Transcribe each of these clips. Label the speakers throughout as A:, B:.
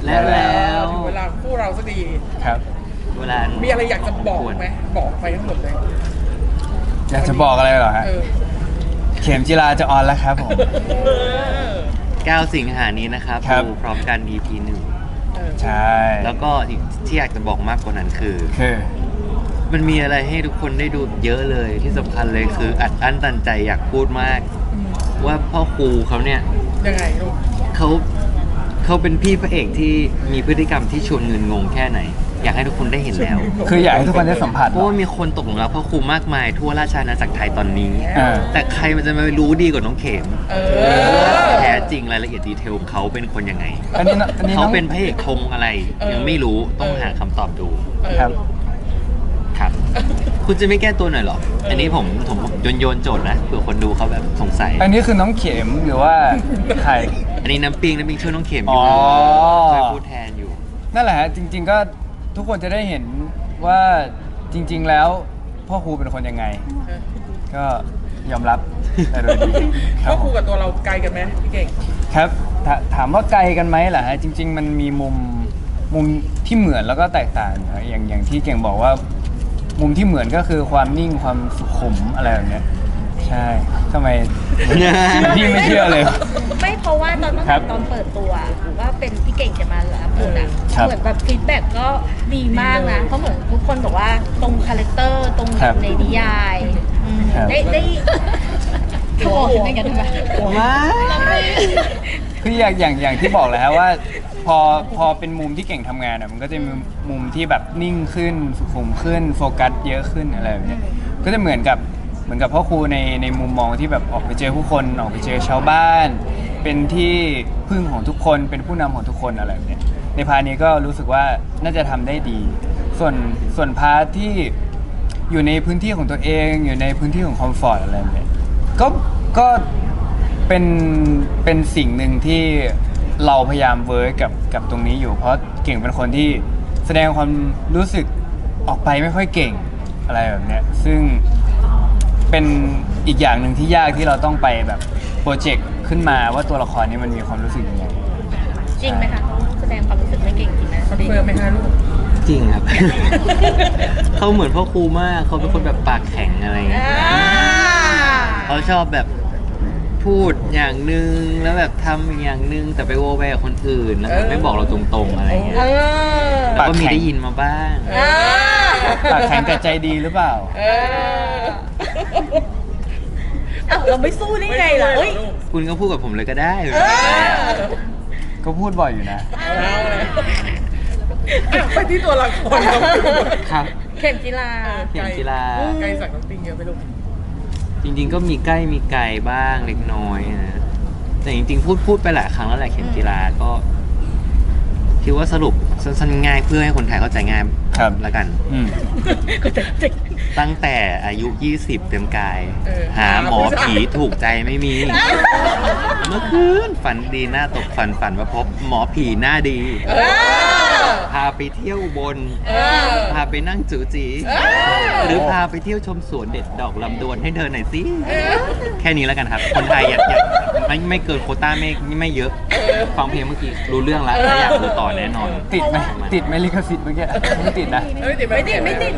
A: แล้ว
B: ถึงเวลาคู่เราสักที
C: ครับ
A: เวลา
B: มีอะไรอยากจะบอกไหมบอกไปทั้งหมดเลย
C: อยากจะบอกอะไรเหรอฮะ
B: เออ
C: เข็มจีราจะออนแล้วครับผม
B: เออ
A: 9 สิงหานี้นะครับ
C: ครับ
A: ดูพร้อมกัน EP
B: เออ
C: ใช่
A: 1แล้วก็อีกที่อยากจะบอกมากกว่านั้นคือ
C: คือ
A: มันมีอะไรให้ทุกคนได้ดูเยอะเลยที่สำคัญเลยคืออัดอั้นตันใจอยากพูดมาก ว่าพ่อครูเขาเนี่ย
B: ยังไงลูก
A: เขาเป็นพี่พระเอกที่มีพฤติกรรมที่ชวนเงินงงแค่ไหน อยากให้ทุกคนได้เห็นแล้ว
C: คืออยากให้ทุกคนได้สัมผัส
A: เพราะว่ามีคนตกหลุมรักพ่อครูมากมายทั่วราชอาณาจักรไทยตอนนี้
C: อ่า
A: แต่ใครมันจะมารู้ดีกว่าน้องเข็ม
B: เออ
A: แท้จริงรายละเอียดดีเทลของเขาเป็นคนยังไง
C: อันนี้น้
A: เขา
C: อง
A: เป็นพระเอกธงอะไร ยังไม่รู้ต้องหาคำตอบดู
C: ครับ
A: ครับ คุณจะไม่แก้ตัวหน่อยเหรอ อันนี้ผมโยนโจทย์นะเผื่อคนดูเขาแบบสงสัย
C: อันนี้คือน้องเข็มหรือว่าใคร
A: อันนี้น้ำปิงช่วยน้องเข็มอยู่
C: อ๋อ
A: ช่วยพูดแทนอยู่
C: นั่นแหละฮะจริง ๆ ก็ทุกคนจะได้เห็นว่าจริง ๆ แล้วพ่อครูเป็นคนยังไง ก็ยอมรับแต่โดยดีค
B: พ่
C: รั
B: อบ ค
C: ผ
B: รู
C: ม
B: กับตัวเราไกลกันไหมพี่เก่ง
C: ครับถามว่าไกลกันไหมล่ะฮะจริง ๆ มันมีมุมที่เหมือนแล้วก็แตกต่างนะอย่างที่เก่งบอกว่า มุมที่เหมือนก็คือความนิ่งความสุขุมอะไรแบบเนี้ยใช่ทำไมพี่ไม่เชื่อเลย
D: ไม่เพราะว่าตอนตั้ง
C: ครั
D: แต่
C: บ
D: ตอนเปิดตัวว่าเป็นพี่เก่งจะมารับบทอ่ะ
C: ครับ
D: เหมือนแบบฟีดแบ็กก็ดีมากนะเพราะเหมือนทุกคนบอกว่าตรงคาแรคเตอร์ตรง
C: ครับ
D: ในนิยายอืม
C: ครับ
D: ได้โถ่ไม่กันทำไม
C: คืออย่างที่บอกเลยฮะว่าพอเป็นมุมที่เก่งทำงานอ่ะมันก็จะมีมุมที่แบบนิ่งขึ้นสุขุมขึ้นโฟกัสเยอะขึ้นอะไรแบบเนี้ยก็จะเหมือนกับพ่อครูในมุมมองที่แบบออกไปเจอผู้คนออกไปเจอชาวบ้าน เป็นที่พึ่งของทุกคนเป็นผู้นำของทุกคนอะไรแบบเนี้ยในพาร์ทนี้ก็รู้สึกว่าน่าจะทำได้ดี ส่วนพาร์ทที่อยู่ในพื้นที่ของตัวเองอยู่ในพื้นที่ของคอมฟอร์ตอะไรแบบเนี้ยก็เป็นสิ่งหนึ่งที่เราพยายามเวิร์กกับตรงนี้อยู่เพราะเก่งเป็นคนที่แสดงความรู้สึกออกไปไม่ค่อยเก่งอะไรแบบเนี้ยซึ่งเป็นอีกอย่างหนึ่งที่ยากที่เราต้องไปแบบโปรเจกต์ขึ้นมาว่าตัวละครนี้มันมีความรู้สึกยังไง
D: จริงไหมคะเขาแสดงความรู้สึกไม่เก่งจริงไหม
B: คอนเฟิร์มไหมคะลูก
A: จริงครับ เขาเหมือนพ่อครูมากเขาเป็นคนแบบปากแข็งอะไรเงี้ยเขาชอบแบบพูดอย่างหนึ่งแล้วแบบทำอีกอย่างหนึ่งแต่ไปโวแวกับคนอื่นแล้วแบบไม่บอกเราตรงๆอะไรเงี้ย
D: เออ
A: แล้วก็มีได้ยินมาบ้าง
D: เออ
C: ปากแข็งแต่ใจดีหรือเปล่า
B: เออ
D: อ้าวเราไม่สู้ได้ไงล่ะเอ้ย
A: คุณก็พูดกับผมเลยก็ได้
C: ก็พูดบ่อยอยู่นะ
B: เอาเลยอ่ะไปที่ตัวละครน้องปิง
A: ครับ
D: เข็มจีรา
A: เข็มกีฬา
B: ไกลจากน้องปิงเยอะไปลูก
A: จริงๆก็มีใกล้มีไกลบ้างเล็กน้อยนะแต่จริงๆพูดไปหลายครั้งแล้วแหละเข็มกีฬาก็คิดว่าสรุปสั้นๆง่ายเพื่อให้คนไทยเข้าใจง่าย
C: ครับ
A: ละกัน
C: อืม
A: ตั้งแต่อายุ 20 เต็มกาย
B: เออ
A: หาหมอผีถูกใจไม่มี เมื่อคืนฝันดีหน้าตกฝันว่าพบหมอผีหน้าดี
B: เออ
A: พาไปเที่ยวอุบน
B: เออ
A: พาไปนั่งจูจี หรือพาไปเที่ยวชมสวนเด็ดดอกลำดวนให้เธอหน่อยสิ แค่นี้แล้วกันครับ คนไทยอย่าไม่เกินโควต้าไม่เยอะ ฟังเพลงเมื่อกี้รู้เรื่องแล้วและอยากดูต่อแน่นอน
C: ติดไหมลิขสิทธิ์เมื่อกี้ไม่ติดนะ
D: ไม่ติดไม่ติด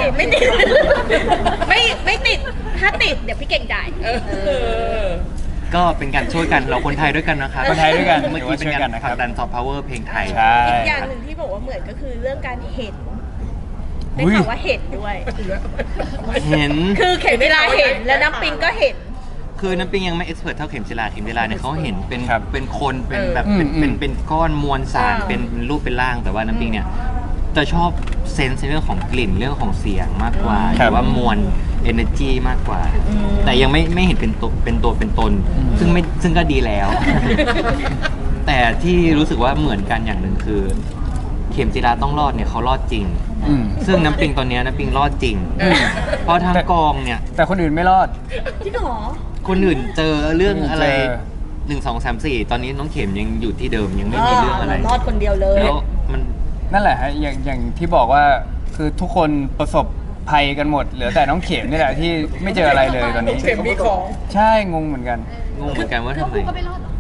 D: ถ้าติดเดี๋ยวพี่เก่งจ่าย
B: เออ
A: ก็เป็นการช่วยกันเราคนไทยด้วยกันนะครับ
C: คนไทยด้วยกัน
A: เมื่อกี้เป็นการ
C: นะค
A: ผ
C: รั
A: ลั
C: บ
A: กดันซอฟต์พาวเวอร์เพลงไทย
C: ใช่
D: อีกอย่างหนึ่งที่บอกว่าเหมือนก็คือเรื่องการเห็นได้
C: อุ๊ย
D: ข่าวว่าเห็นด้วย
A: เห็น
D: คือเข็มเวลาเห็นแล้วน้ำปิงก็เห็น
A: คือน้ำปิงยังไม่เอ็กซ์เพรสเท่าเข็มจิราเนี่ยเขาเห็นเป็น
C: ครับ
A: เป็นคนเป็นแบบ
C: อืม
A: เป็นก้อนมวลสาร
D: อ่า
A: เป็นรูปเป็นร่างแต่ว่าน้ำปิงเนี่ยจะชอบเซนส์ในเรื่องของกลิ่นเรื่องของเสียงมากกว่าห
C: ครั
A: รื
C: บ
A: อว่ามวล energy มากกว่า แต่ยังไม่เห็นเป็นตัวเป็นตน ซึ่งก็ดีแล้ว แต่ที่รู้สึกว่าเหมือนกันอย่างหนึ่งคือ เข็มจิราต้องรอดเนี่ยเขารอดจริง
C: อืม
A: ซึ่งน้ำปิงตอนเนี้ยน้ำปิงรอดจริง เพราะทางกองเนี่ย
C: แต่คนอื่นไม่รอด
D: ที่หรอ
A: คนอื่นเจอเรื่องอะไร
C: เจอ
A: 1 2 3 4 ตอนนี้น้องเข็มยังอยู่ที่เดิมยังไม่มีเรื่องอะไร
D: รอดคนเดียวเลย
A: แล้วมัน
C: นั่นแหละฮะอย่างที่บอกว่าคือทุกคนประสบภัยกันหมด เหลือแต่น้องเข็มนี่แหละที่ไม่เจออะไรเลยตอนนี้
B: เข็มมีของ
C: ใช่งงเหมือนกัน
A: งงเหมือนกันว่าทำไม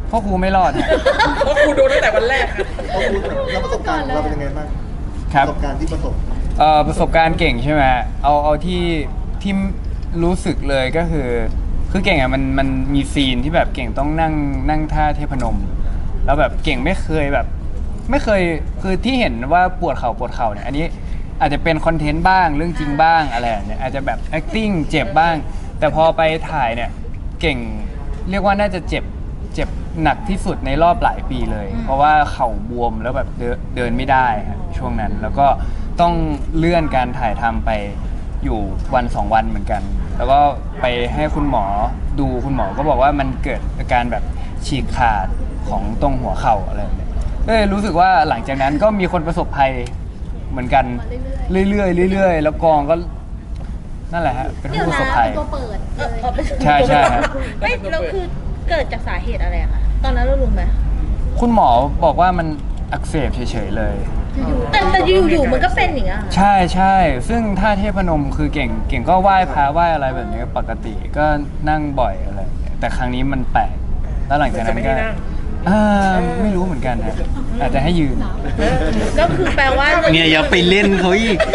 C: พ่อครูไม่รอดฮะ
B: เพราะครูโดนตั้งแต่วันแรกค่ะ
E: แล้วประสบการณ์ของเราเป็นยังไงบ้าง
C: ครับ
E: ประสบการณ์ที่ประสบ
C: ประสบการณ์เก่งใช่ไหมเอาที่รู้สึกเลยก็คือเก่งอ่ะมันมีซีนที่แบบเก่งต้องนั่งท่าเทพนม แล้วแบบเก่งไม่เคยคือที่เห็นว่าปวดเข่าเนี่ยอันนี้อาจจะเป็นคอนเทนต์บ้างเรื่องจริงบ้างอะไรเนี่ยอาจจะแบบ acting เจ็บบ้าง แต่พอไปถ่ายเนี่ยเก่งเรียกว่าน่าจะเจ็บหนักที่สุดในรอบหลายปีเลย เพราะว่าเข่าบวมแล้วแบบเดินไม่ได้ครับช่วงนั้นแล้วก็ต้องเลื่อนการถ่ายทำไปอยู่วัน2 วันเหมือนกัน แล้วก็ไปให้คุณหมอดูคุณหมอก็บอกว่ามันเกิดอาการแบบฉีกขาดของตรงหัวเข่าอะไรแบบนี้ก็เลยรู้สึกว่าหลังจากนั้นก็มีคนประสบภัยเหมือนกันเรื่อยๆแล้วกองก็นั่นแหละฮะเป็น
D: เดี๋ยว
C: ผู้ประ
D: นะ
C: สบภัย
D: ตัวเปิด
C: ใช่ครับ
D: ไม่แล้วคือเกิดจากสาเหตุอะไรอะคะตอนนั้นเรารู้ไหม
C: คุณหมอบอกว่ามันอักเสบเฉยๆเลย
D: แต่อยู่ๆมันก็เป็นอย่างเงี้ยค่ะ
C: ใช่ซึ่งท่าเทพนมคือเก่งก็ไหว้พระไหว้อะไรแบบนี้ปกติก็นั่งบ่อยอะไรแบบนี้แต่ครั้งนี้มันแปลกแล้วหลังจากนั้นก็ไม่รู้เหมือนกันนะอาจจะให้ยืน
D: ก็คือแปลว่า
A: เนี่ยอย่าไปเล่นเขาอีก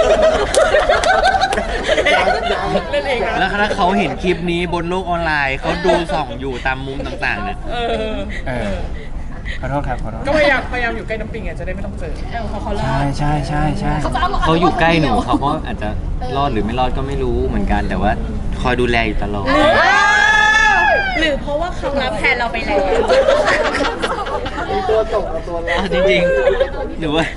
B: เล่นเองนะ
A: แล้วถ้าเขาเห็นคลิปนี้บนโลกออนไลน์เขาดูส่องอยู่ตามมุมต่างๆเนี่ย
B: เออ
C: ขอโทษครับขอโทษ
B: ก็พยายามอยู่ใกล้น้ำปิงอ่ะจะได้ไม่ต้องเจอ
D: เขารอ
C: ใช่
A: เขาอยู่ใกล้หนูเขาก็อาจจะรอดหรือไม่รอดก็ไม่รู้เหมือนกัน แต่ว่าคอยดูแลอยู่ตลอด
D: หรือเพราะว่าเขารับแทนเราไปแล้ว
E: มีตัวส่งเอาตัวรับ
A: จริงๆหนูว่า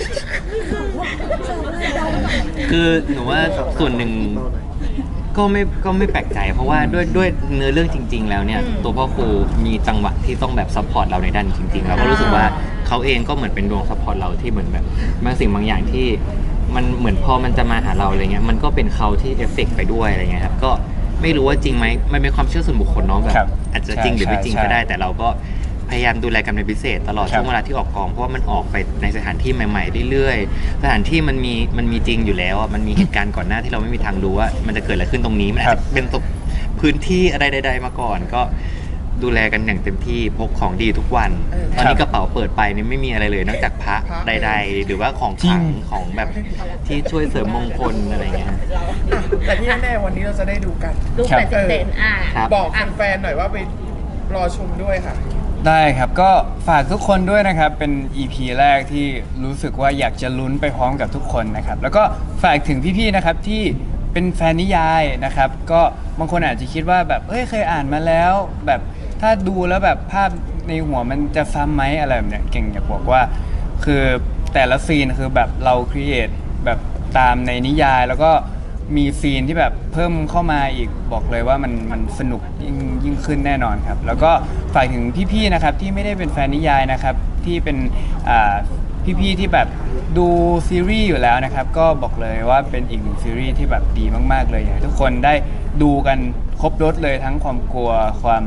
A: คือหนูว่าส่วนหนึ่งก็ไม่แปลกใจ เพราะว่าด้วยเนื้อเรื่องจริง ๆ แล้วเนี่ย ตัวพ่อครูมีจังหวะที่ต้องแบบซัพพอร์ตเราในด้านจริงๆเราก็รู้สึกว่าเขาเองก็เหมือนเป็นดวงซัพพอร์ตเราที่เหมือนแบบบางสิ่งบางอย่างที่มันเหมือนพอมันจะมาหาเราอะไรเงี้ยมันก็เป็นเขาที่เอฟเฟกต์ไปด้วยอะไรเงี้ยครับก็ไม่รู้ว่าจริงไหมมันเป็นความเชื่อส่วนบุคคลเนาะแบบ
C: ครับ
A: อาจจะจริงหรือไม่จริง
C: ใช่
A: ก็ได้ แต่เราก็พยายามดูแลกันเป็นพิเศษตลอด
C: ครับ
A: ช่วงเวลาที่ออกกองเพราะว่ามันออกไปในสถานที่ใหม่ๆเรื่อยๆสถานที่มันมีจริงอยู่แล้วอะมันมีเหตุการณ์ก่อนหน้าที่เราไม่มีทางรู้ว่ามันจะเกิดอะไรขึ้นตรงนี้มันอาจจะเป็นพื้นที่อะไรใดๆมาก่อน ก็ดูแลกันอย่างเต็มที่พกของดีทุกวันตอนนี้กระเป๋าเปิดไปนี่ไม่มีอะไรเลยนอกจากพระใด ๆ หรือว่าของขลังของแบบที่ช่วยเสริมมงคลอะไรเงี้ย
B: แต่ที่แน่ๆวันนี้เราจะได้ดูกัน
D: ลูกแปดสิบเซน
A: ครับ
B: บอกแฟนๆหน่อยว่าไปรอชมด้วยค่ะ
C: ได้ครับก็ฝากทุกคนด้วยนะครับเป็น EP แรกที่รู้สึกว่าอยากจะลุ้นไปพร้อมกับทุกคนนะครับแล้วก็ฝากถึงพี่ๆนะครับที่เป็นแฟนนิยายนะครับก็บางคนอาจจะคิดว่าแบบเคยอ่านมาแล้วแบบถ้าดูแล้วแบบภาพในหัวมันจะซ้ำไหมอะไรแบบเนี้ยเก่งอยากบอกว่าคือแต่ละซีนคือแบบเราครีเอทแบบตามในนิยายแล้วก็มีซีนที่แบบเพิ่มเข้ามาอีกบอกเลยว่ามันสนุกยิ่งขึ้นแน่นอนครับแล้วก็ฝากถึงพี่ๆนะครับที่ไม่ได้เป็นแฟนนิยายนะครับที่เป็นพี่ๆที่แบบดูซีรีส์อยู่แล้วนะครับก็บอกเลยว่าเป็นอีกหนึ่งซีรีส์ที่แบบดีมากๆเลยอยากให้ทุกคนได้ดูกันครบรสเลยทั้งความกลัวความ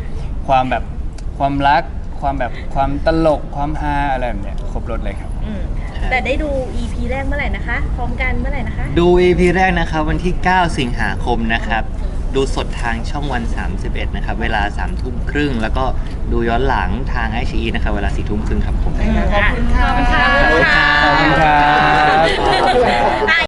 C: รักความตลกความฮาอะไรแบบเนี้ยครบรสเลยครับ
D: แต่ได้ดู EP แรกเมื่อไหร่นะคะ พร้อมกันเมื่อไหร่นะคะ
A: ดู EP แรกนะครับวันที่ 9 สิงหาคมนะครับ ดูสดทางช่องวัน 31 นะครับ เวลา 3 ทุ่มครึ่ง แล้วก็ดูย้อนหลังทาง iQIYI นะครับ เวลา 4 ทุ่มครึ่งครับผม
B: ขอบคุณค่ะ
D: ขอบคุณค่ะ
C: ขอบคุณครับ